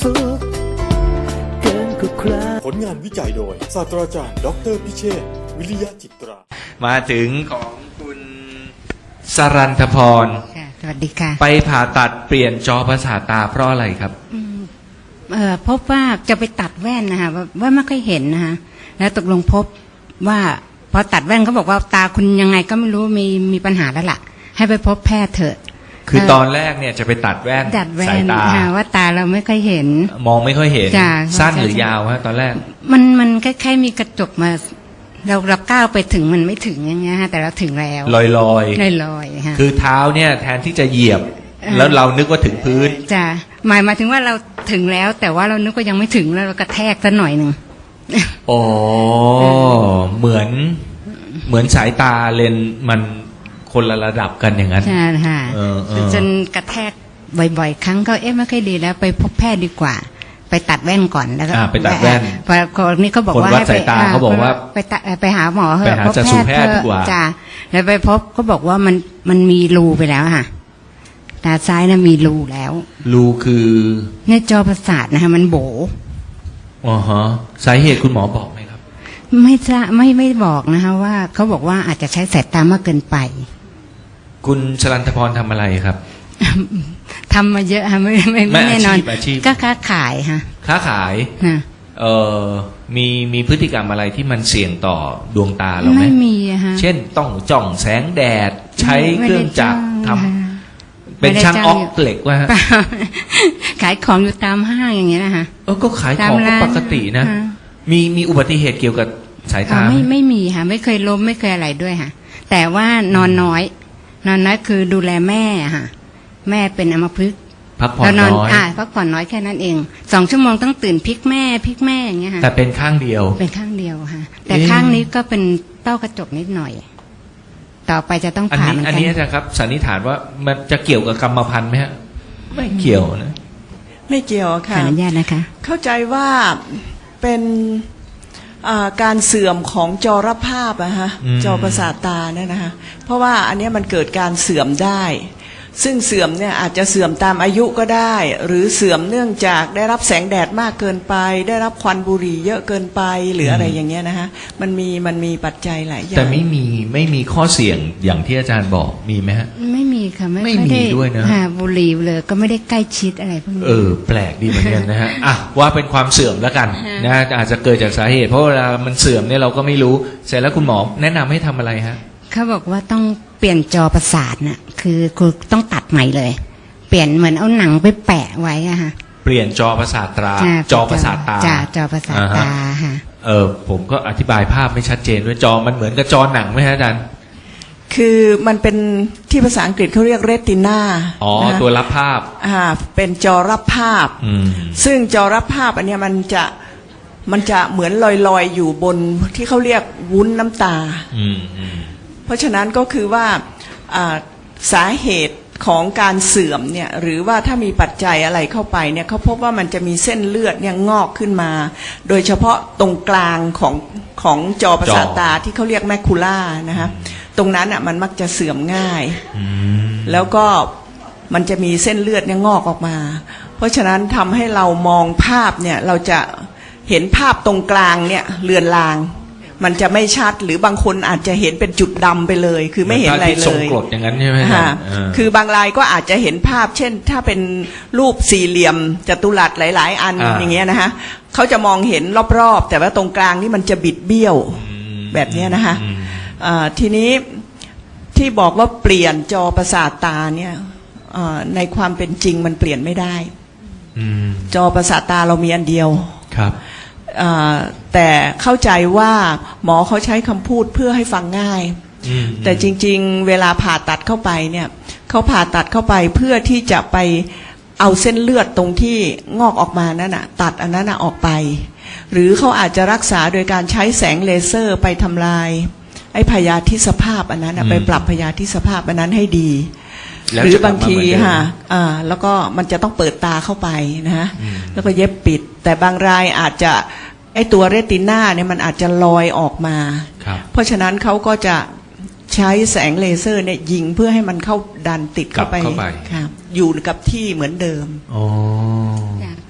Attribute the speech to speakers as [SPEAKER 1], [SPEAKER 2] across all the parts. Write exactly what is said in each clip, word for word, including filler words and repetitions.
[SPEAKER 1] สุขเกินกว่าใคร
[SPEAKER 2] ผลงานวิจัยโดยศาสตราจารย์ดอกเตอรพิเชษฐ์วิริยะจิตรา
[SPEAKER 3] มาถึงของคุณสรันทพร
[SPEAKER 4] ค่ะสวัสดีค่ะ
[SPEAKER 3] ไปผ่าตัดเปลี่ยนจอประสาทตาเพราะอะไรครับ
[SPEAKER 4] อืมเอ่อพบว่าจะไปตัดแว่นนะคะว่าว่าไม่ค่อยเห็นนะคะแล้วตกลงพบว่าพอตัดแว่นเขาบอกว่าตาคุณยังไงก็ไม่รู้มีมีปัญหาแล้วล่ะ ให้ไปพบแพทย์เถอะ
[SPEAKER 3] คือตอนแรกเนี่ยจะไปตัดแว่น
[SPEAKER 4] ตัดแว่
[SPEAKER 3] สาย
[SPEAKER 4] น
[SPEAKER 3] ตา
[SPEAKER 4] ค่ะว่าตาเราไม่ค่อยเห็น
[SPEAKER 3] มองไม่ค่อยเห็น
[SPEAKER 4] จ้ะ
[SPEAKER 3] สั้น
[SPEAKER 4] ใช่
[SPEAKER 3] หรือ
[SPEAKER 4] ใช่
[SPEAKER 3] ยาวฮะตอนแรก
[SPEAKER 4] มันมันคล้ายๆมีกระจกมา เราเราก้าวไปถึงมันไม่ถึงอย่างเงี้ยฮะแต่เราถึงแล้ว
[SPEAKER 3] ลอยลอย
[SPEAKER 4] ลอยลอยๆค่ะ
[SPEAKER 3] คือเท้าเนี่ยแทนที่จะเหยียบ
[SPEAKER 4] เออ
[SPEAKER 3] แล้วเรานึกว่าถึงพื้น
[SPEAKER 4] จ้ะหมายหมายถึงว่าเราถึงแล้ว แต่ว่าเรานึกว่ายังไม่ถึงแล้วเรากระแทกซะหน่อยหนึ่ง
[SPEAKER 3] อ๋อเหมือนเหมือนสายตาเลนส์มันคนละระดับกันอย่างนั้น
[SPEAKER 4] ใช่ค่ะ
[SPEAKER 3] เออเออ
[SPEAKER 4] จนกระแทกบ่อยๆ ครั้งก็เอ๊ะไม่ค่อยดีแล้วไปพบแพทย์ดีกว่า ไปตัดแว่นก่อนแล้วก็
[SPEAKER 3] อ่าไปตัดแว่น
[SPEAKER 4] พอคนนี้เขาบอก
[SPEAKER 3] คน
[SPEAKER 4] ว่า
[SPEAKER 3] วัด
[SPEAKER 4] ให้ไป
[SPEAKER 3] สายตาเขาบอกว่า
[SPEAKER 4] ไปตัดไปหาหมอเถ
[SPEAKER 3] ไป
[SPEAKER 4] อะ
[SPEAKER 3] หา
[SPEAKER 4] พบ
[SPEAKER 3] จักษุแพทย์
[SPEAKER 4] เถ
[SPEAKER 3] ดีกว่า
[SPEAKER 4] จ้ะแล้วไปพบเขาบอกว่ามันมันมีรูไปแล้วค่ะตาซ้ายน่ะมีรูแล้ว
[SPEAKER 3] รูคือ
[SPEAKER 4] ในจอประสาทนะคะมันโบ
[SPEAKER 3] อ๋อฮะสาเหตุคุณหมอบอกไหมครับ
[SPEAKER 4] ไม่จะไม่ไม่บอกนะคะว่าเขาบอกว่าอาจจะใช้สายตามากเกินไป
[SPEAKER 3] คุณชลันทพรทำอะไรครับ
[SPEAKER 4] ทำมาเยอะค่ะไม่ไม่
[SPEAKER 3] ไม่
[SPEAKER 4] ไม่แน่นอน
[SPEAKER 3] อาชีพอาชีพ
[SPEAKER 4] ก็ค้าขายค่ะ
[SPEAKER 3] ค้าขาย
[SPEAKER 4] นะ
[SPEAKER 3] เอ่อมีมีพฤติกรรมอะไรที่มันเสี่ยงต่อดวงตาเราไหม
[SPEAKER 4] ไม่มีอะฮะ
[SPEAKER 3] เช่นต้องจ้องแสงแดดใช้เครื่องจักรทำ
[SPEAKER 4] ไม่ได้จ้างค่ะ
[SPEAKER 3] เป็นช่าง
[SPEAKER 4] ไม่ได้
[SPEAKER 3] อ
[SPEAKER 4] จ้าง
[SPEAKER 3] อกเหล็กว่า
[SPEAKER 4] เปล่า ขายของอยู่ตามห้างอย่างเงี้ยนะคะ
[SPEAKER 3] เออก็ขายของ
[SPEAKER 4] ตาม
[SPEAKER 3] ก็
[SPEAKER 4] ร้าน
[SPEAKER 3] ปกตินะ
[SPEAKER 4] ค่ะ
[SPEAKER 3] มีมีอุบัติเหตุเกี่ยวกับสาย
[SPEAKER 4] อ๋อ
[SPEAKER 3] ตาไหม
[SPEAKER 4] ไม่ไม่มีค่ะไม่เคยล้มไม่เคยอะไรด้วยค่ะ แต่ว่านอนน้อย นอนน้อยคือดูแลแม่อะค่ะ แม่เป็นอัมพฤกษ์
[SPEAKER 3] พักผ่อน
[SPEAKER 4] แล้วนอน
[SPEAKER 3] น้อย
[SPEAKER 4] อ่าพักผ่อนน้อยแค่นั้นเองสองชั่วโมงต้องตื่นพลิกแม่พลิกแม่อย่างเงี้ยค่ะ
[SPEAKER 3] แต่เป็นข้างเดียว
[SPEAKER 4] เป็นข้างเดียวค่ะ แต่
[SPEAKER 3] เอ๊ะ
[SPEAKER 4] ข้างนี้ก็เป็นเต้ากระจกนิดหน่อย ต่อไปจะต้อง
[SPEAKER 3] อัน
[SPEAKER 4] ผ่า
[SPEAKER 3] นี้
[SPEAKER 4] เหมือน
[SPEAKER 3] อัน
[SPEAKER 4] กั
[SPEAKER 3] นี้
[SPEAKER 4] น
[SPEAKER 3] อาจารย์ครับสันนิษฐานว่ามันจะเกี่ยวกับกรรมพันธุ์ไหมฮะไม่เกี่ยวนะ
[SPEAKER 5] ไม่เกี่ยว
[SPEAKER 4] ขอ
[SPEAKER 5] ค่ะ
[SPEAKER 4] อนุญาตนะคะ
[SPEAKER 5] เข้าใจว่าเป็นอ่าการเสื่อมของจอรับภาพอะฮะ
[SPEAKER 3] อืม
[SPEAKER 5] จอประสาทตาเนี่ยนะคะเพราะว่าอันเนี้ยมันเกิดการเสื่อมได้ ซึ่งเสื่อมเนี่ยอาจจะเสื่อมตามอายุก็ได้ หรือเสื่อมเนื่องจากได้รับแสงแดดมากเกินไป ได้รับควันบุหรี่เยอะเกินไปหรืออะไรอย่างเงี้ยนะคะมันมีมันมีปัจจัยหลายอย่าง
[SPEAKER 3] แต่ไม่มีไม่มีข้อเสี่ยงอย่างที่อาจารย์บอกมีไหมฮะ
[SPEAKER 4] ไม่มีค่ะไม่
[SPEAKER 3] ไม่
[SPEAKER 4] ค่อ
[SPEAKER 3] มี
[SPEAKER 4] ได้
[SPEAKER 3] ด้วยนะ
[SPEAKER 4] หาบุหรี่เลยก็ไม่ได้ใกล้ชิดอะไรพวกนี้
[SPEAKER 3] เออแปลกดีเหมือนกันนะฮะ อ่ะว่าเป็นความเสื่อมแล้วกัน
[SPEAKER 4] ฮะ
[SPEAKER 3] นะอาจจะเกิดจากสาเหตุ เพราะเวลามันเสื่อมเนี่ยเราก็ไม่รู้เสร็จแล้วคุณหมอแนะนำให้ทำอะไรฮะ
[SPEAKER 4] เขาบอกว่าต้องเปลี่ยนจอประสาทน่ะคือคือต้องตัดใหม่เลย เปลี่ยนเหมือนเอาหนังไปแปะไว้อะค่ะ
[SPEAKER 3] เปลี่ยนจอประสาทตรา
[SPEAKER 4] จ้ะ
[SPEAKER 3] จอประสาทตา
[SPEAKER 4] จ้ะจอประสาท
[SPEAKER 3] อ่าฮะ
[SPEAKER 4] ตาค่ะ
[SPEAKER 3] เออผมก็อธิบายภาพไม่ชัดเจนด้วยจอมันเหมือนกับจอหนังไหมฮะอาจารย์
[SPEAKER 5] คือมันเป็นที่ภาษาอังกฤษเขาเรียกเรตินา
[SPEAKER 3] อ๋อตัวรับภาพ
[SPEAKER 5] อ่าเป็นจอรับภาพ
[SPEAKER 3] อืม
[SPEAKER 5] ซึ่งจอรับภาพอันเนี้ยมันจะมันจะเหมือนลอยๆอยู่บนที่เขาเรียกวุ้นน้ำตา
[SPEAKER 3] อืมอืม
[SPEAKER 5] เพราะฉะนั้นก็คือว่าอ่าสาเหตุของการเสื่อมเนี่ยหรือว่าถ้ามีปัจจัยอะไรเข้าไปเนี่ยเขาพบว่ามันจะมีเส้นเลือดเนี่ยงอกขึ้นมา โดยเฉพาะตรงกลางของของจอประสาทตาที่เขาเรียกแมคคูล่านะคะตรงนั้นอ่ะมันมักจะเสื่อมง่าย
[SPEAKER 3] อืม
[SPEAKER 5] แล้วก็มันจะมีเส้นเลือดเนี่ยงอกออกมา เพราะฉะนั้นทำให้เรามองภาพเนี่ยเราจะเห็นภาพตรงกลางเนี่ยเลือนลาง มันจะไม่ชัดหรือบางคนอาจจะเห็นเป็นจุดดำไปเลย คือไม่เห็นอะไร
[SPEAKER 3] ที่
[SPEAKER 5] เล
[SPEAKER 3] ส่ง
[SPEAKER 5] ย
[SPEAKER 3] กรดอย่างนั้นใช่ไหมฮะ
[SPEAKER 5] ค่ะ
[SPEAKER 3] เออ
[SPEAKER 5] คือบางรายก็อาจจะเห็นภาพ เช่น ถ้าเป็นรูปสี่เหลี่ยมจัตุรัสหลาย ๆ อัน
[SPEAKER 3] อ่า
[SPEAKER 5] อย่างเงี้ยนะคะเขาจะมองเห็นรอบๆแต่ว่าตรงกลางนี่มันจะบิดเบี้ยว
[SPEAKER 3] อืม
[SPEAKER 5] แบบเนี้ยนะคะ
[SPEAKER 3] อืม
[SPEAKER 5] อ่าทีนี้ที่บอกว่าเปลี่ยนจอประสาทตาเนี่ยอ่าในความเป็นจริงมันเปลี่ยนไม่ได้
[SPEAKER 3] อืม
[SPEAKER 5] จอประสาทตาเรามีอันเดียว
[SPEAKER 3] ครับ
[SPEAKER 5] อ่าแต่เข้าใจว่าหมอเขาใช้คำพูดเพื่อให้ฟังง่าย
[SPEAKER 3] อืม
[SPEAKER 5] แต่จริงๆเวลาผ่าตัดเข้าไปเนี่ยเขาผ่าตัดเข้าไปเพื่อที่จะไปเอาเส้นเลือดตรงที่งอกออกมานั่นน่ะตัดอันนั้นน่ะออกไป หรือเขาอาจจะรักษาโดยการใช้แสงเลเซอร์ไปทำลายไอ้พยาธิสภาพอันนั้นน่ะไปปรับพยาธิสภาพอันนั้นให้ดี
[SPEAKER 3] แล้ว
[SPEAKER 5] หรือ
[SPEAKER 3] จะกลั
[SPEAKER 5] บาง
[SPEAKER 3] มเห
[SPEAKER 5] ที
[SPEAKER 3] มือนเดิม
[SPEAKER 5] ค่ะอ่าแล้วก็มันจะต้องเปิดตาเข้าไปนะฮะ
[SPEAKER 3] อืม
[SPEAKER 5] แล้วก็เย็บปิด แต่บางรายอาจจะไอ้ตัวเรติน่าเนี่ยมันอาจจะลอยออกมา
[SPEAKER 3] ครับ
[SPEAKER 5] เพราะฉะนั้นเขาก็จะใช้แสงเลเซอร์เนี่ยยิงเพื่อให้มันเข้าดันติดเข้าไป
[SPEAKER 3] กลับเข้าไป
[SPEAKER 5] ค่ะอยู่กับที่เหมือนเดิม
[SPEAKER 3] อ๋อ
[SPEAKER 4] จ้ะ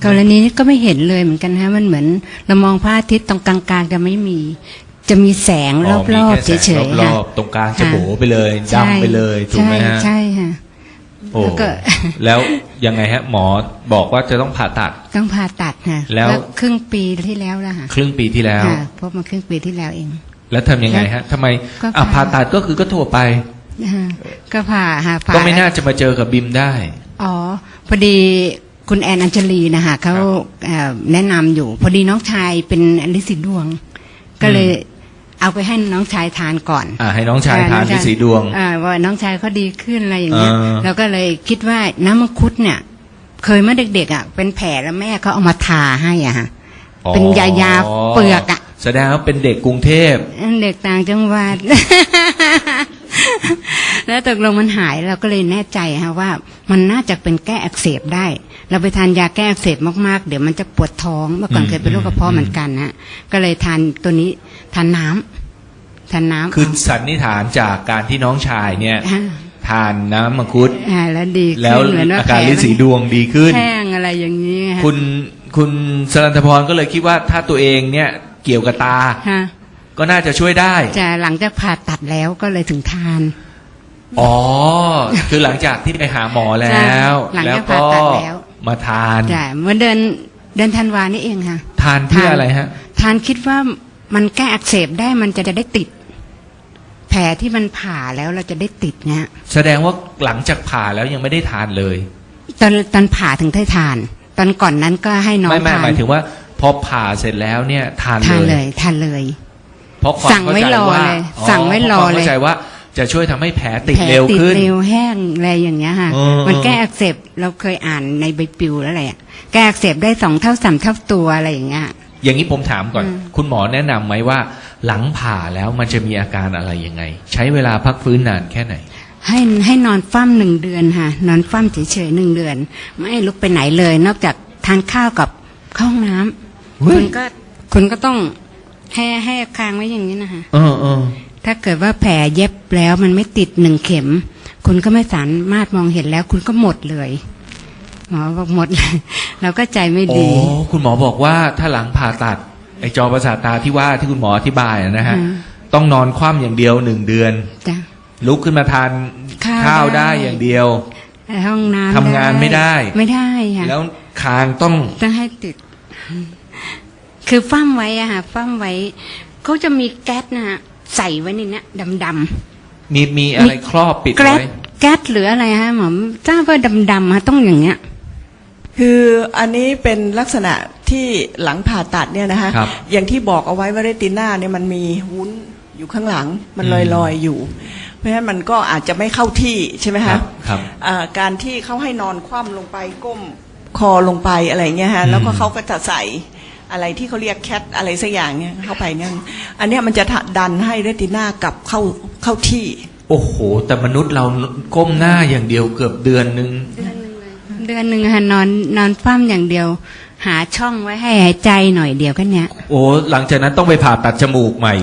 [SPEAKER 4] กรณีนี้ก็ไม่เห็นเลยเหมือนกันฮะมันเหมือนเรามองพระอาทิตย์ตรงกลางๆจะไม่มีจะมีแสงรอบๆเฉยๆ
[SPEAKER 3] ร
[SPEAKER 4] ค่ะ
[SPEAKER 3] อบๆตรงกลางจะโบไปเลยดำไปเลยถูกไหมฮะ
[SPEAKER 4] ใช่ค่ะ
[SPEAKER 3] โอ้
[SPEAKER 4] แล้วก็
[SPEAKER 3] แล้วยังไงฮะ หมอบอกว่าจะต้องผ่าตัด
[SPEAKER 4] ต้องผ่าตัดค่ะ
[SPEAKER 3] แล้ว
[SPEAKER 4] ครึ่งปีที่แล้วแล้วค่ะ
[SPEAKER 3] ครึ่งปีที่แล้ว
[SPEAKER 4] ค่ะพบมาครึ่งปีที่แล้วเอง
[SPEAKER 3] แล้วทำยังไงฮะทำไม
[SPEAKER 4] ก็
[SPEAKER 3] อ่ะ
[SPEAKER 4] ผ่า
[SPEAKER 3] ผ่าตัดก็คือก็ทั่วไป
[SPEAKER 4] นะคะก็ผ่าค่ะผ่า
[SPEAKER 3] ก็ไม่น่าจะมาเจอกับบิมได้
[SPEAKER 4] อ๋อพอดีคุณแอนอัญชลีนะคะเขาเอ่อแนะนำอยู่ พอดีน้องชายเป็นลินสีดวง ก็เลยเอาไปให้น้องชายทานก่อน
[SPEAKER 3] อ่าให้น้องชายทานที่สีดวง
[SPEAKER 4] อ่าว่าน้องชายเขาดีขึ้นอะไรอย่างเงี้ย
[SPEAKER 3] เออ
[SPEAKER 4] เราก็เลยคิดว่าน้ำมังคุดเนี่ย เคยเมื่อเด็กๆอ่ะเป็นแผลแล้วแม่เขาเอามาทาให้อ่ะฮะเป็นยายาเปลือกอ่ะ
[SPEAKER 3] แสดงว่าเป็นเด็กกรุงเทพ
[SPEAKER 4] เด็กต่างจังหวัด แล้วตกลงมันหายเราก็เลยแน่ใจฮะว่ามันน่าจะเป็นแก้อักเสบได้ เราไปทานยาแก้อักเสบมากๆเดี๋ยวมันจะปวดท้องเมื่อก่อนเคยเป็นโรคกระเพาะเหมือนกันฮะก็เลยทานตัวนี้ทานน้ำทานน้ำ
[SPEAKER 3] คือสันนิษฐานจากการที่น้องชายเนี่ย
[SPEAKER 4] อ่า
[SPEAKER 3] ทานน้ำมังคุด
[SPEAKER 4] อ่าแล้วดีขึ้น
[SPEAKER 3] แล้ว
[SPEAKER 4] เหมือนว่า
[SPEAKER 3] อาการ
[SPEAKER 4] แผล
[SPEAKER 3] ลิ้นสีดวงดีขึ้น
[SPEAKER 4] แห้งอะไรอย่างนี้ฮะ
[SPEAKER 3] คุณคุณสรันทพรก็เลยคิดว่าถ้าตัวเองเนี่ยเกี่ยวกับตา
[SPEAKER 4] ฮะ
[SPEAKER 3] ก็น่าจะช่วยได้
[SPEAKER 4] จะหลังจากผ่าตัดแล้วก็เลยถึงทาน
[SPEAKER 3] อ๋อ คือหลังจากที่ไปหาหมอแล้ว
[SPEAKER 4] หลัง
[SPEAKER 3] แล้ว
[SPEAKER 4] จากผ่า
[SPEAKER 3] ก็
[SPEAKER 4] ตัดแล้ว
[SPEAKER 3] มาทาน
[SPEAKER 4] จ้ะเมื่อเดือนเดือนธันวานี่เองค่ะ
[SPEAKER 3] ทานเพื่ออะไรฮะ
[SPEAKER 4] ทานคิดว่ามันแก้อักเสบได้มันจะได้ติด แผลที่มันผ่าแล้วเราจะได้ติดเนี่ย
[SPEAKER 3] แสดงว่าหลังจากผ่าแล้วยังไม่ได้ทานเลย
[SPEAKER 4] ตอนตอนผ่าถึงได้ทาน ตอนก่อนนั้นก็ให้น้อง
[SPEAKER 3] ไม่ไม่
[SPEAKER 4] ทาน
[SPEAKER 3] หมายถึงว่าพอผ่าเสร็จแล้วเนี่ยทาน
[SPEAKER 4] ทาน
[SPEAKER 3] เล
[SPEAKER 4] เลย ยทานเลย
[SPEAKER 3] เพราะความ
[SPEAKER 4] สั่งไว้
[SPEAKER 3] เข้าใจ
[SPEAKER 4] รอ
[SPEAKER 3] ว่า
[SPEAKER 4] เลยสั่งไว้รอ
[SPEAKER 3] พาะความ
[SPEAKER 4] เลย
[SPEAKER 3] เข้าใจว่าจะช่วยทำให้แผลติด
[SPEAKER 4] แผล
[SPEAKER 3] เร็ว
[SPEAKER 4] ติด
[SPEAKER 3] ขึ้น
[SPEAKER 4] เร็วแห้งอะไรอย่างเงี้ยค่ะ
[SPEAKER 3] เออ
[SPEAKER 4] มันแก้อักเสบเราเคยอ่านในใบปลิวแล้วแหละแก้อักเสบได้สองเท่าสามเท่าตัวอะไรอย่างเงี้ย
[SPEAKER 3] อย่างนี้ผมถามก่อน
[SPEAKER 4] อืม
[SPEAKER 3] คุณหมอแนะนำไหมว่า หลังผ่าแล้วมันจะมีอาการอะไรยังไง ใช้เวลาพักฟื้นนานแค่ไหน
[SPEAKER 4] ให้ให้นอนฟั่มหนึ่งเดือนค่ะ นอนฟั่มเฉยๆหนึ่งเดือน ไม่ให้ลุกไปไหนเลย นอกจากทานข้าวกับเข้าห้องน้ำ
[SPEAKER 3] เฮ้ย
[SPEAKER 4] คุณก็คุณก็ต้องให้ให้คางไว้อย่างนี้นะคะ
[SPEAKER 3] เออเออ
[SPEAKER 4] ถ้าเกิดว่าแผลเย็บแล้วมันไม่ติดหนึ่งเข็ม คุณก็ไม่สามารถมองเห็นแล้ว คุณก็หมดเลยหมอบอกหมดเลย เราก็ใจไม่
[SPEAKER 3] โอ้
[SPEAKER 4] ดี
[SPEAKER 3] คุณหมอบอกว่าถ้าหลังผ่าตัดไอจอประสาทตาที่ว่าที่คุณหมออธิบายนะฮะ
[SPEAKER 4] อืม
[SPEAKER 3] ต้องนอนคว่ำอย่างเดียวหนึ่งเดือน
[SPEAKER 4] จ้ะ
[SPEAKER 3] ลุกขึ้นมาทาน
[SPEAKER 4] ข้าว
[SPEAKER 3] ข้าว
[SPEAKER 4] ได้
[SPEAKER 3] ได้อย่างเดียว
[SPEAKER 4] ห้องน้ำ
[SPEAKER 3] ทำงานไม่ได้
[SPEAKER 4] ไม่ได้ค่ะ
[SPEAKER 3] แล้วคางต้อง
[SPEAKER 4] ต้องให้ติด คือฟั่มไว้อะค่ะฟั่มไว้เขาจะมีแก๊สนะฮะใส่ไว้ในเนี้ยดำ
[SPEAKER 3] มีมีอะไรครอบปิด
[SPEAKER 4] ๆแก๊ส
[SPEAKER 3] ไว้
[SPEAKER 4] แก๊สหรืออะไรฮะหมอทราบว่าดำๆฮะต้องอย่างเงี้ย
[SPEAKER 5] คืออันนี้เป็นลักษณะที่หลังผ่าตัดเนี่ยนะคะ
[SPEAKER 3] ครับ
[SPEAKER 5] อย่างที่บอกเอาไว้ว่าเรติน่าเนี่ยมันมีวุ้นอยู่ข้างหลัง มัน
[SPEAKER 3] อื
[SPEAKER 5] ล
[SPEAKER 3] ม
[SPEAKER 5] อยๆอยู่ เพราะฉะนั้นมันก็อาจจะไม่เข้าที่ใช่ไหม
[SPEAKER 3] ครั
[SPEAKER 5] คะ
[SPEAKER 3] บครับ
[SPEAKER 5] อ่าการที่เขาให้นอนคว่ำลงไปก้มคอลงไปอะไรเงี้ยฮะ
[SPEAKER 3] อืม
[SPEAKER 5] แล้วก็เขาก็จะใส่อะไรที่เขาเรียกแคทอะไรสักอย่างเนี่ยเข้าไปเนี่ยอันเนี้ยมันจะดันให้เรติน่ากลับเข้าเข้าที่
[SPEAKER 3] โอ้โห แต่มนุษย์เราก้มหน้าอย่างเดียวเกือบเดือนนึง
[SPEAKER 4] เดือนหนึ่งค่ะนอนนอนฟั่มอย่างเดียว หาช่องไว้ให้หายใจหน่อยเดียวแค่เนี้ย
[SPEAKER 3] โอ้หลังจากนั้นต้องไปผ่าตัดจมูกใหม่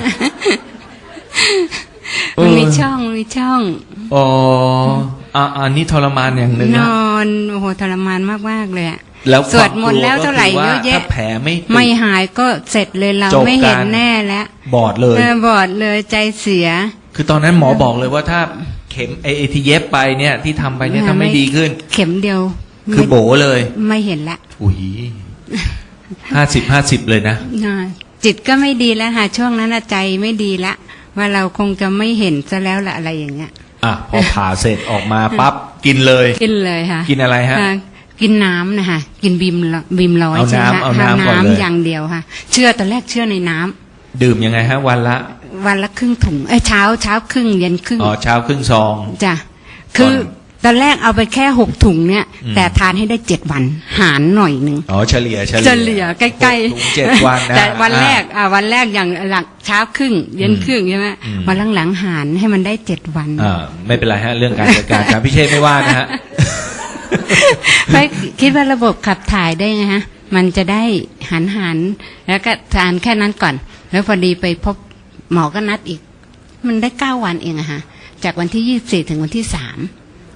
[SPEAKER 3] เออ
[SPEAKER 4] มันมีช่องมีช่อง
[SPEAKER 3] อ๋ออ่ะอันนี้ทรมานอย่างหนึ่ง
[SPEAKER 4] น
[SPEAKER 3] นะ
[SPEAKER 4] อนโอ้โหทรมานมากๆเลยอะ
[SPEAKER 3] แล้ว
[SPEAKER 4] สวดมนต์แล้วเท่าไหร่
[SPEAKER 3] ควมก
[SPEAKER 4] เย
[SPEAKER 3] ก็
[SPEAKER 4] อะ
[SPEAKER 3] คื
[SPEAKER 4] แยะ
[SPEAKER 3] ถ้าแผลไม่ติด
[SPEAKER 4] ไม่หายก็เสร็จเลยเรา
[SPEAKER 3] จบ
[SPEAKER 4] ไม่เห็น
[SPEAKER 3] การ
[SPEAKER 4] แน่แล้ว
[SPEAKER 3] บอดเลย
[SPEAKER 4] เออบอดเลยใจเสีย
[SPEAKER 3] คือตอนนั้นหมอบอกเลยว่าถ้าเข็มไอไอ้ที่เย็บไปเนี่ยที่ทำไปเนี่ยถ้าไม่ดีขึ้น
[SPEAKER 4] เข็มเดียว
[SPEAKER 3] คือ
[SPEAKER 4] ไม่
[SPEAKER 3] โบเลย
[SPEAKER 4] ไม่เห็นละ
[SPEAKER 3] อุ้ยห้าสิบห้าสิบเลยนะ
[SPEAKER 4] อ่าจิตก็ไม่ดีแล้วค่ะช่วงนั้นน่ะใจไม่ดีละว่าเราคงจะไม่เห็นซะแล้วละอะไรอย่างเงี้ย
[SPEAKER 3] อ่ะ พอผ่าเสร็จออกมาปั๊บกินเลย
[SPEAKER 4] กินเลยค่ะ
[SPEAKER 3] กินอะไรฮะ
[SPEAKER 4] อ่ากินน้ำนะคะกินบีมละบีมร้อย
[SPEAKER 3] เอา
[SPEAKER 4] ใช่ไหม
[SPEAKER 3] น้ำ
[SPEAKER 4] คะ
[SPEAKER 3] เอาน้ำก่อนเลย
[SPEAKER 4] อย่างเดียวค่ะ เชื่อตอนแรกเชื่อในน้ำ
[SPEAKER 3] ดื่มยังไงฮะ วันละ
[SPEAKER 4] วันละครึ่งถุงเอ้ยเช้าเช้าครึ่งเย็นครึ่ง
[SPEAKER 3] อ๋อเช้าครึ่งซอง
[SPEAKER 4] จ้ะคือตอนแรกเอาไปแค่หกถุงเนี่ย
[SPEAKER 3] อืม
[SPEAKER 4] แต่ทานให้ได้เจ็ดวัน หารหน่อยหนึ่ง
[SPEAKER 3] อ๋อเฉลี่ยเฉลี่ย
[SPEAKER 4] เฉลี่ยใกล้
[SPEAKER 3] หกถึงเจ็ดวันนะ
[SPEAKER 4] แต่วันแรก
[SPEAKER 3] อ่ะ
[SPEAKER 4] อ่าวันแรกอย่างหลังเช้าครึ่ง เย็นครึ่งใช่ไหม
[SPEAKER 3] อืม
[SPEAKER 4] วันหลังๆหารให้มันได้เจ็ดวัน
[SPEAKER 3] อ่าไม่เป็นไรฮะ เรื่องการจัดการอาจารย์พิเชษไม่ว่านะฮะ
[SPEAKER 4] ไปคิดว่าระบบขับถ่ายได้ไงฮะ มันจะได้หันหันๆแล้วก็ทานแค่นั้นก่อน แล้วพอดีไปพบหมอก็นัดอีก มันได้เก้าวันเองอะฮะ จากวันที่ยี่สิบสี่ถึงวันที่สาม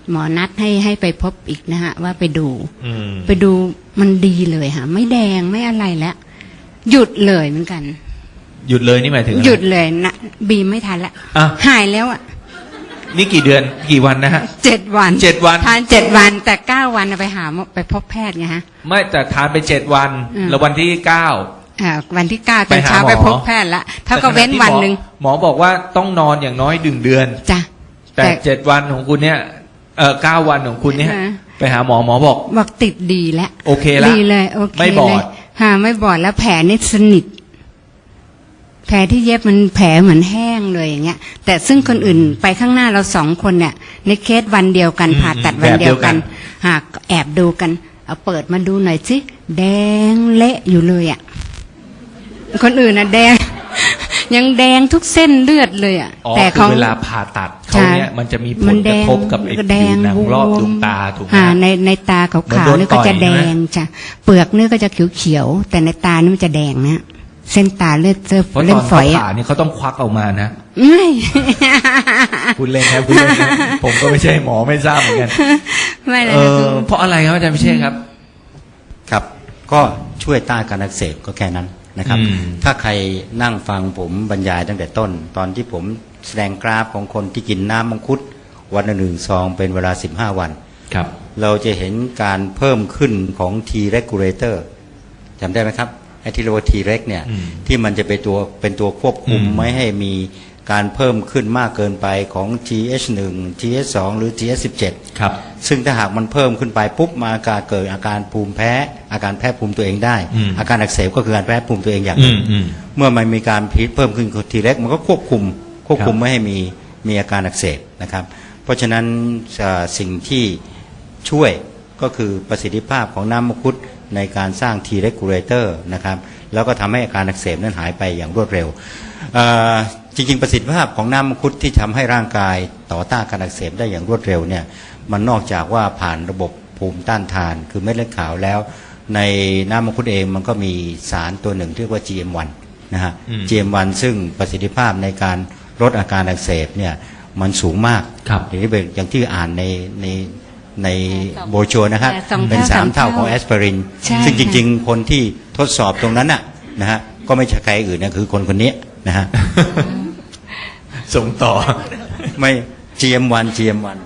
[SPEAKER 4] หมอนัดให้ให้ไปพบอีกนะฮะว่าไปดู
[SPEAKER 3] อืม
[SPEAKER 4] ไปดูมันดีเลยค่ะไม่แดงไม่อะไรแล้วหยุดเลยเหมือนกัน
[SPEAKER 3] หยุดเลยนี่หมายถึงอะไร
[SPEAKER 4] หยุดเลยนะบีมไม่ทันละ
[SPEAKER 3] อ่ะ
[SPEAKER 4] หายแล้วอ่ะ
[SPEAKER 3] นี่กี่เดือนกี่วันนะฮะ
[SPEAKER 4] เจ็ดวัน
[SPEAKER 3] เจ็ดวัน
[SPEAKER 4] ทานเจ็ดวันแต่เก้าวันเอาไปหาหมอไปพบแพทย์ไงฮะ
[SPEAKER 3] ไม่แต่ทานไปเจ็ดวัน
[SPEAKER 4] อืม
[SPEAKER 3] แล้ววันที่เก้า
[SPEAKER 4] อ่าวันที่เก้าต
[SPEAKER 3] ไป
[SPEAKER 4] อน
[SPEAKER 3] หา
[SPEAKER 4] เช้า
[SPEAKER 3] หมอ
[SPEAKER 4] ไปพบแพทย์ละเท่ากับเว้นวันหนึ่ง
[SPEAKER 3] หมอบอกว่าต้องนอนอย่างน้อยดึงเดือน
[SPEAKER 4] จ้ะ
[SPEAKER 3] แต่เจ็ดวันของคุณเนี่ยเออเก้าวันของคุณเนี่ย
[SPEAKER 4] อ่า
[SPEAKER 3] ไปหาหมอหมอบอก
[SPEAKER 4] บอกติดดีแล้ว
[SPEAKER 3] โอเคละ
[SPEAKER 4] ดีเลยโอเค
[SPEAKER 3] ไม่บอด
[SPEAKER 4] เลยค่ะไม่บอดแล้วแผลนี่สนิทแผลที่เย็บมันแผลเหมือนแห้งเลยอย่างเงี้ย แต่ซึ่งคนอื่นไปข้างหน้าเราสองคนเนี่ยในเคสวันเดียวกัน
[SPEAKER 3] อืม
[SPEAKER 4] ผ่าตัดวันเดียวกัน
[SPEAKER 3] แบบเดียวกัน
[SPEAKER 4] หากแอบดูกันเอาเปิดมาดูหน่อยสิแดงเละอยู่เลยอ่ะคนอื่นน่ะแดง ยังแดงทุกเส้นเลือดเลยอ่ะ
[SPEAKER 3] อ๋อ
[SPEAKER 4] แต่
[SPEAKER 3] คื
[SPEAKER 4] ขอ
[SPEAKER 3] อง เวลาผ่าตัดเขาเนี่ยมันจะมีผ
[SPEAKER 4] มั
[SPEAKER 3] ล
[SPEAKER 4] น
[SPEAKER 3] ก
[SPEAKER 4] แด
[SPEAKER 3] ระ
[SPEAKER 4] ง
[SPEAKER 3] ทบกับไอ้
[SPEAKER 4] แด
[SPEAKER 3] ผิว
[SPEAKER 4] ง
[SPEAKER 3] หนังรอบดวงตาถูกไหม
[SPEAKER 4] อ่า
[SPEAKER 3] ฮะ
[SPEAKER 4] ในในตาขา
[SPEAKER 3] เหมือน
[SPEAKER 4] ว
[SPEAKER 3] โด
[SPEAKER 4] ๆ
[SPEAKER 3] น
[SPEAKER 4] นี่ก็จะ
[SPEAKER 3] ต่
[SPEAKER 4] แด
[SPEAKER 3] อย
[SPEAKER 4] ง
[SPEAKER 3] ใช่ไหม
[SPEAKER 4] จ้ะเปลือกนี่ก็จะเขียวๆแต่ในตานี่มันจะแดงนะเส้นตาเลือดเลือด
[SPEAKER 3] เพราะต
[SPEAKER 4] เลื
[SPEAKER 3] อ
[SPEAKER 4] อด
[SPEAKER 3] น
[SPEAKER 4] ฝ
[SPEAKER 3] เขา
[SPEAKER 4] อยอ่ะ
[SPEAKER 3] ผ่านี่เขาต้องควักออกมานะ
[SPEAKER 4] ไม่
[SPEAKER 3] พูดเล่นนะพูดเล่นนะผมก็ไม่ใช่หมอไม่ทราบเหมือนกัน
[SPEAKER 4] ไม่เลย
[SPEAKER 3] เอ
[SPEAKER 4] นะ
[SPEAKER 3] อ
[SPEAKER 4] คือ
[SPEAKER 3] เพราะอะไรครับอาจารย์พิเชษครับ
[SPEAKER 6] ครับก็ช่วยต้านการอักเสบก็แค่นั้นนะครับ
[SPEAKER 3] อืม
[SPEAKER 6] ถ้าใครนั่งฟังผมบรรยายตั้งแต่ต้น ตอนที่ผมแสดงกราฟของคนที่กินน้ำมังคุดวันละหนึ่งซองเป็นเวลาสิบห้าวัน
[SPEAKER 3] ครับ
[SPEAKER 6] เราจะเห็นการเพิ่มขึ้นของ T regulator จำได้ไหมครับไอ้ที่เรียกว่า T reg เนี่ย
[SPEAKER 3] อืม
[SPEAKER 6] ที่มันจะเป็นตัวเป็นตัวควบคุม
[SPEAKER 3] อืม
[SPEAKER 6] ไม่ให้มีการเพิ่มขึ้นมากเกินไปของ ที เอช หนึ่ง ที เอช สอง หรือ ที เอช สิบเจ็ด
[SPEAKER 3] ครับ
[SPEAKER 6] ซึ่งถ้าหากมันเพิ่มขึ้นไปปุ๊บมาอาการเกิดอาการภูมิแพ้ อาการแพ้ภูมิตัวเองได้
[SPEAKER 3] อืม
[SPEAKER 6] อาการอักเสบก็คือการแพ้ภูมิตัวเองอย่างห
[SPEAKER 3] อื
[SPEAKER 6] นึ่ง
[SPEAKER 3] มอืม
[SPEAKER 6] เมื่อมันมีการพิษเพิ่มขึ้นทีแรกมันก็ควบคุมควบคุม
[SPEAKER 3] ครับ
[SPEAKER 6] ไม่ให้มีมีอาการอักเสบนะครับ เพราะฉะนั้นเอ่อสิ่งที่ช่วยก็คือประสิทธิภาพของน้ำมังคุดในการสร้าง T regulator นะครับแล้วก็ทำให้อาการอักเสบนั้นหายไปอย่างรวดเร็วเอ่อจริงๆประสิทธิภาพของน้ำมังคุดที่ทำให้ร่างกายต่อต้านการอักเสบได้อย่างรวดเร็วเนี่ยมันนอกจากว่าผ่านระบบภูมิต้านทานคือเม็ดเลือดขาวแล้ว ในน้ำมังคุดเองมันก็มีสารตัวหนึ่งที่เรียกว่า จี เอ็ม วัน นะฮะ
[SPEAKER 3] อืม
[SPEAKER 6] จี เอ็ม วัน ซึ่งประสิทธิภาพในการลดอาการอักเสบเนี่ยมันสูงมาก
[SPEAKER 3] ครับ
[SPEAKER 6] อย่างที่เป็นอย่างที่อ่านในในในโบรชัวร์นะครับ
[SPEAKER 4] สองเท่า
[SPEAKER 6] เป็นสาม
[SPEAKER 4] สาม
[SPEAKER 6] เท่า
[SPEAKER 4] เท่า
[SPEAKER 6] ของแอสไพริน
[SPEAKER 4] ใช่
[SPEAKER 6] ซึ่งจ
[SPEAKER 4] ค่ะ
[SPEAKER 6] ริงๆ คนที่ทดสอบตรงนั้นน่ะนะฮะก็ไม่ใช่ใครอื่นนะคือคนคนนี้นะฮะ
[SPEAKER 3] ส่งต่อ
[SPEAKER 6] ไม่ จี เอ็ม วัน จี เอ็ม วัน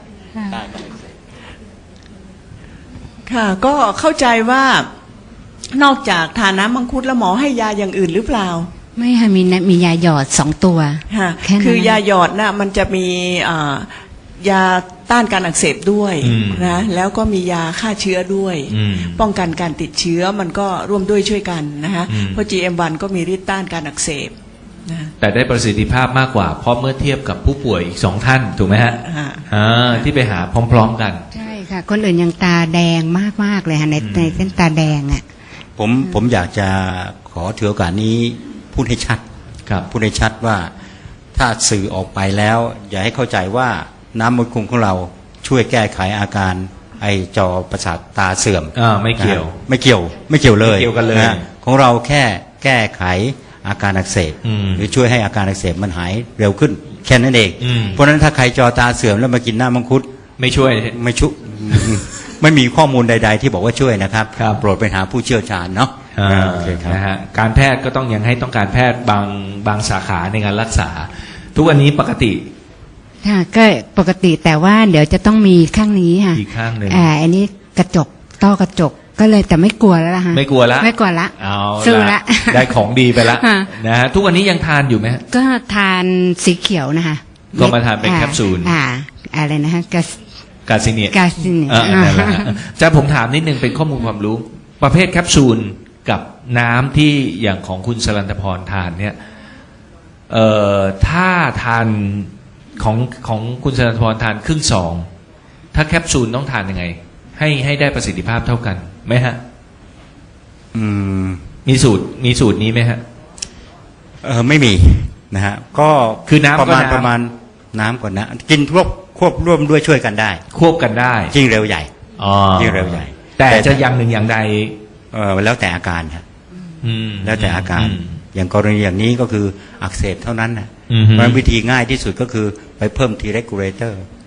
[SPEAKER 5] ค่ะ ก็เข้าใจว่านอกจากทานน้ำมังคุดแล้วหมอให้ยาอย่างอื่นหรือเปล่า
[SPEAKER 4] ไม่ค่ะมีนะมียาหยอดสองตัว
[SPEAKER 5] ค่ะ
[SPEAKER 4] แค่นั้น
[SPEAKER 5] คือยาหยอดนะมันจะมีอ่ายาต้านการอักเสบด้วย
[SPEAKER 3] อืม
[SPEAKER 5] นะแล้วก็มียาฆ่าเชื้อด้วย
[SPEAKER 3] อืม
[SPEAKER 5] ป้องกันการติดเชื้อมันก็ร่วมด้วยช่วยกันนะคะ
[SPEAKER 3] อืม
[SPEAKER 5] เพราะ จี เอ็ม วัน ก็มีฤทธิ์ต้านการอักเสบนะ
[SPEAKER 3] แต่ได้ประสิทธิภาพมากกว่า เพราะเมื่อเทียบกับผู้ป่วยอีกสองท่านถูกไหมฮะ
[SPEAKER 5] อ่า
[SPEAKER 3] อ่าที่ไปหาพร้อม ๆ กัน
[SPEAKER 4] ใช่ค่ะ คนอื่นยังตาแดงมากๆเลยค่ะใน
[SPEAKER 3] อืม
[SPEAKER 4] ในเส้นตาแดงอ่ะ
[SPEAKER 6] ผมผมอยากจะขอถือโอกาสนี้พูดให้ชัด
[SPEAKER 3] ครับ
[SPEAKER 6] พูดให้ชัดว่าถ้าสื่อออกไปแล้ว อย่าให้เข้าใจว่าน้ำมังคุดของเราช่วยแก้ไขอาการไอจอประสาทตาเสื่อม
[SPEAKER 3] อ่าไม่เกี่ยว
[SPEAKER 6] นะฮะไม่เกี่ยวไม่เกี่ยวเลย
[SPEAKER 3] ไม่เกี่ยวกันเลย
[SPEAKER 6] ะของเราแค่แก้ไขอาการอักเสบ
[SPEAKER 3] อืม
[SPEAKER 6] หรือช่วยให้อาการอักเสบมันหายเร็วขึ้นแค่นั้นเอง
[SPEAKER 3] อืม
[SPEAKER 6] เพราะฉะนั้นถ้าใครจอตาเสื่อมแล้วมากินน้ำมังคุด
[SPEAKER 3] ไม่ช่วย
[SPEAKER 6] ไม่ชุ ไม่มีข้อมูลใด ๆ ที่บอกว่าช่วยนะครับ
[SPEAKER 3] ครับ
[SPEAKER 6] โปรดไปหาผู้เชี่ยวชาญเนาะ
[SPEAKER 3] อ่า
[SPEAKER 6] โอเคครับ
[SPEAKER 3] นะฮะการแพทย์ก็ต้องยังให้ต้องการแพทย์บางบางสาขาในการรักษา ทุกวันนี้ปกติ
[SPEAKER 4] ค่ะก็ปกติแต่ว่าเดี๋ยวจะต้องมีข้างนี้ค่ะ
[SPEAKER 3] อีกข้างหนึ่ง
[SPEAKER 4] อ่าอันนี้กระจกต้อกระจกก็เลยแต่ไม่กลัวแล้วล่ะฮะ
[SPEAKER 3] ไม่กลัวละ
[SPEAKER 4] ไม่กลัวละ
[SPEAKER 3] เอา
[SPEAKER 4] สู้ละ
[SPEAKER 3] ได้ของดีไปละ
[SPEAKER 4] ค่ะ
[SPEAKER 3] นะฮะทุกวันนี้ยังทานอยู่ไหมฮะ
[SPEAKER 4] ก็ทานสีเขียวนะคะ
[SPEAKER 3] ก็มาทานเป็น
[SPEAKER 4] อ่
[SPEAKER 3] แคปซูล
[SPEAKER 4] อ่าอะไรนะคะกา
[SPEAKER 3] กาซิเนีย
[SPEAKER 4] กาซิเนีย
[SPEAKER 3] เออนั่นแหละฮะจะผมถามนิดนึงเป็นข้อมูลความรู้ ประเภทแคปซูลกับน้ำที่อย่างของคุณสรันตพรทานเนี่ยเอ่อถ้าทานของของคุณสรันตพรทานครึ่งซองถ้าแคปซูลต้องทานยังไง ให้ให้ได้ประสิทธิภาพเท่ากันไหมฮะ
[SPEAKER 6] อืม
[SPEAKER 3] มีสูตรมีสูตรนี้ไหมฮะ
[SPEAKER 6] เออไม่มีนะฮะก็
[SPEAKER 3] คือน้ำ
[SPEAKER 6] ประมาณ
[SPEAKER 3] ก็น้ำ
[SPEAKER 6] ประมาณน้ำก่อนนะกินควบควบร่วมด้วยช่วยกันได้
[SPEAKER 3] ควบกันได้
[SPEAKER 6] ยิ่งเร็วใหญ่
[SPEAKER 3] อ๋อ
[SPEAKER 6] ยิ่งเร็วใหญ่
[SPEAKER 3] แต่
[SPEAKER 6] แต่
[SPEAKER 3] จะอย่างหนึ่งอย่างใด
[SPEAKER 6] เออแล้วแต่อาการครับ
[SPEAKER 3] อืม
[SPEAKER 6] แล้วแต่อาการ
[SPEAKER 3] ม
[SPEAKER 6] อย่างกรณีอย่างนี้ก็คืออักเสบเท่านั้นนะ
[SPEAKER 3] อืม
[SPEAKER 6] เพราะฉะนั้นวิธีง่ายที่สุดก็คือไปเพิ่ม T regulator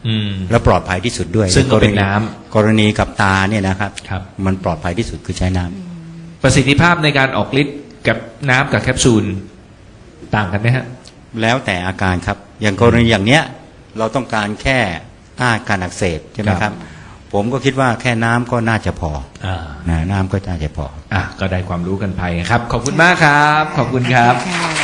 [SPEAKER 3] อืม
[SPEAKER 6] และปลอดภัยที่สุดด้วย
[SPEAKER 3] ซึ่งก็เป็น
[SPEAKER 6] รณี
[SPEAKER 3] น้ำ
[SPEAKER 6] กรณีกับตาเนี่ยนะครับ
[SPEAKER 3] ครับ
[SPEAKER 6] มันปลอดภัยที่สุดคือใช้น้ำ
[SPEAKER 3] ประสิทธิภาพในการออกฤทธิ์กับน้ำกับแคปซูลต่างกันไหมฮะ
[SPEAKER 6] แล้วแต่อาการครับอย่างกรณีอย่างเนี้ยเราต้องการแค่ต้านการอักเสบใช่ไหม
[SPEAKER 3] ค
[SPEAKER 6] ค
[SPEAKER 3] รั
[SPEAKER 6] รับ บผมก็คิดว่าแค่น้ำก็น่าจะพอ
[SPEAKER 3] อ่า
[SPEAKER 6] นะน้ำก็น่าจะพอ
[SPEAKER 3] อ่ะก็ได้ความรู้กันไปครับ ขอบคุณมากครับ ขอบคุณครับ
[SPEAKER 4] ค่ะ